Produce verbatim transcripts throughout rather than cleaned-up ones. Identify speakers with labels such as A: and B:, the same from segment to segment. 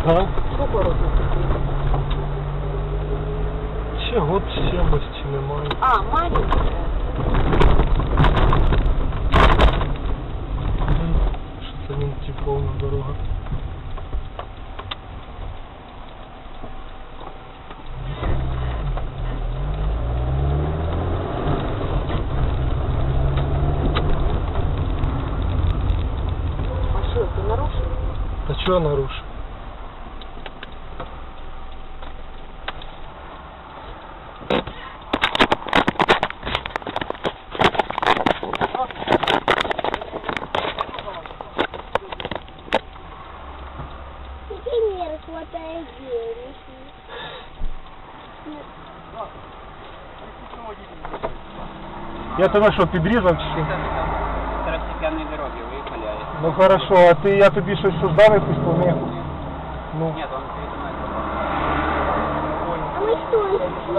A: А?
B: Сколько років тобі?
A: Ще год сімості немає.
B: А, маленький.
A: Що це він ті повна дорога.
B: А що, ти нарушив?
A: Та чого нарушив?
C: Например, хватает денег.
A: Я тебе що, підрізав чи що?
D: Второстепенные дороги выехали.
A: Ну хорошо, а ти, я тобі щось создав, якусь помеху? Ну.
D: Нет, он передумает.
C: А мы что?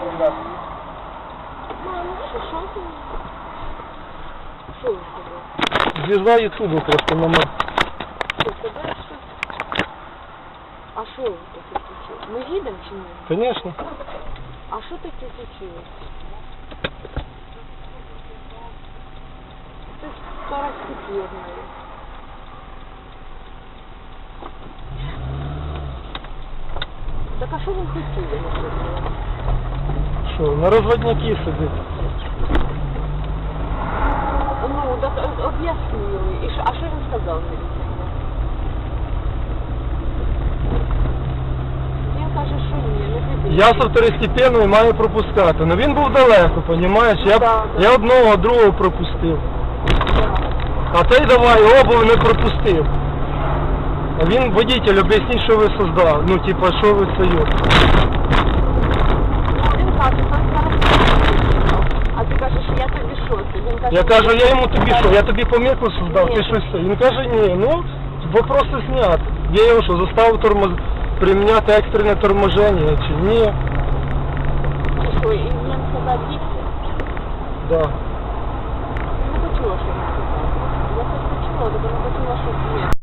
C: Мам,
B: Що, що ти? Що він сказав?
A: Звізда Ютубу просто номер.
B: Що, тебе щось? А що таке случилось? Ми їдемо чи ні?
A: Конечно.
B: А що таке случилось? Це второстепенное. Так а що він хотів? я не розумію?
A: Що, на розводняки сидить.
B: Ну, так о- об'яснили. І що, а що він сказав міліцейно? Він каже, що ні, не піде.
A: Я со второстепенної маю пропускати. Ну він був далеко, понімаєш? Я,
B: Да, да.
A: я одного, другого пропустив. А той давай обув не пропустив. А він водитель, об'ясніть, що ви создав. Ну, типа, що ви союз.
B: Він каже, що зараз. А ти кажеш, я тобі що? Ти? Він каже,
A: Я кажу, я йому тобі що, я тобі помилку создав,
B: Ні.
A: ти щось. це. Він каже, ні, ну, вопроси снят. Я його що, заставив тормоз... приміняти екстрене торможення чи ні?
B: Чи що, і він сказав їсти?
A: Да.
B: Не почула, що він сказав. Я хоч почула, але не почула, що ні.